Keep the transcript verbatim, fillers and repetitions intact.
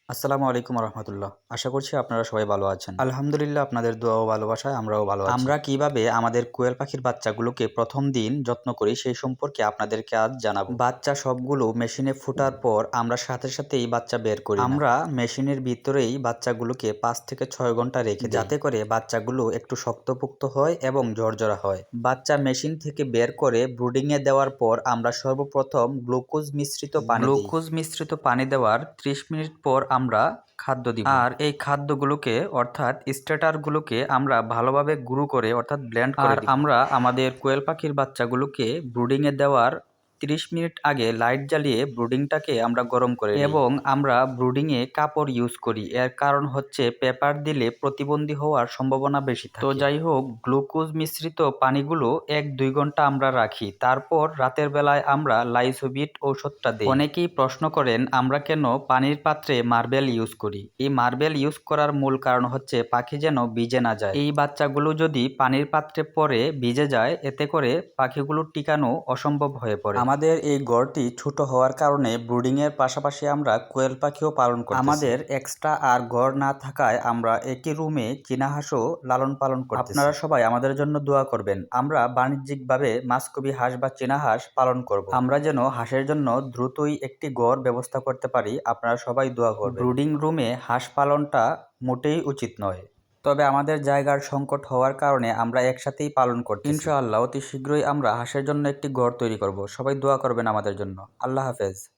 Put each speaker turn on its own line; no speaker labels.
আসসালামু আলাইকুম রহমতুল্লাহ। আশা করছি আপনারা সবাই ভালো আছেন। আলহামদুলিল্লাহ, আপনাদের দোয়া ও ভালোবাসায় আমরাও ভালো আছি। আমরা কিভাবে আমাদের কোয়েল পাখির বাচ্চাগুলোকে প্রথম দিন যত্ন করি সেই সম্পর্কে আপনাদেরকে আজ জানাবো। বাচ্চা সবগুলো মেশিনে ফোটার পর আমরা সাথে সাথেই বাচ্চা বের করি না। আমরা মেশিনের ভিতরেই বাচ্চাগুলোকে পাঁচ থেকে ছয় ঘন্টা রেখে দিই, যাতে করে বাচ্চাগুলো একটু শক্তপোক্ত হয় এবং ঝরঝরা হয়। বাচ্চা মেশিন থেকে বের করে ব্রুডিং এ দেওয়ার পর আমরা সর্বপ্রথম গ্লুকোজ মিশ্রিত পানি দিই। গ্লুকোজ মিশ্রিত পানি দেওয়ার ত্রিশ মিনিট পর আমরা খাদ্য দিব, আর এই খাদ্যগুলোকে অর্থাৎ স্টার্টারগুলোকে আমরা ভালোভাবে গুঁড়ো করে অর্থাৎ ব্লেন্ড করে দিব। আর আমরা আমাদের কোয়েল পাখির বাচ্চাগুলোকে ব্রুডিং এ দেওয়ার ত্রিশ মিনিট আগে লাইট জ্বালিয়ে ব্রুডিংটাকে আমরা গরম করে নিই। এবং আমরা ব্রুডিংয়ে কাপড় ইউজ করি, এর কারণ হচ্ছে পেপার দিলে প্রতিবন্ধী হওয়ার সম্ভাবনা বেশি থাকে। তো যাই হোক, গ্লুকোজ মিশ্রিত পানিগুলো এক দুই ঘন্টা আমরা রাখি, তারপর রাতের বেলায় আমরা লাইসোবিট ঔষধটা দিই। অনেকেই প্রশ্ন করেন আমরা কেন পানির পাত্রে মার্বেল ইউজ করি। এই মার্বেল ইউজ করার মূল কারণ হচ্ছে পাখি যেন ভিজে না যায়। এই বাচ্চাগুলো যদি পানির পাত্রে পরে ভিজে যায়, এতে করে পাখিগুলো টিকানো অসম্ভব হয়ে পড়ে। আমাদের এই ঘরটি ছোট হওয়ার কারণে ব্রুডিং এর পাশাপাশি আমরা কোয়েল পাখিও পালন করি। আমাদের এক্সট্রা আর ঘর না থাকায় আমরা একই রুমে চীনা হাঁসও লালন পালন করি। আপনারা সবাই আমাদের জন্য দোয়া করবেন, আমরা বাণিজ্যিকভাবে মাসকবি হাঁস বা চীনা হাঁস পালন করব। আমরা যেন হাঁসের জন্য দ্রুতই একটি ঘর ব্যবস্থা করতে পারি। আপনারা সবাই দোয়া করবেন। ব্রুডিং রুমে হাঁস পালনটা মোটেই উচিত নয়, তবে আমাদের জায়গার সংকট হওয়ার কারণে আমরা একসাথেই পালন করছি। ইনশাআল্লাহ অতি শীঘ্রই আমরা হাঁসের জন্য একটি ঘর তৈরি করব। সবাই দোয়া করবেন আমাদের জন্য। আল্লাহ হাফেজ।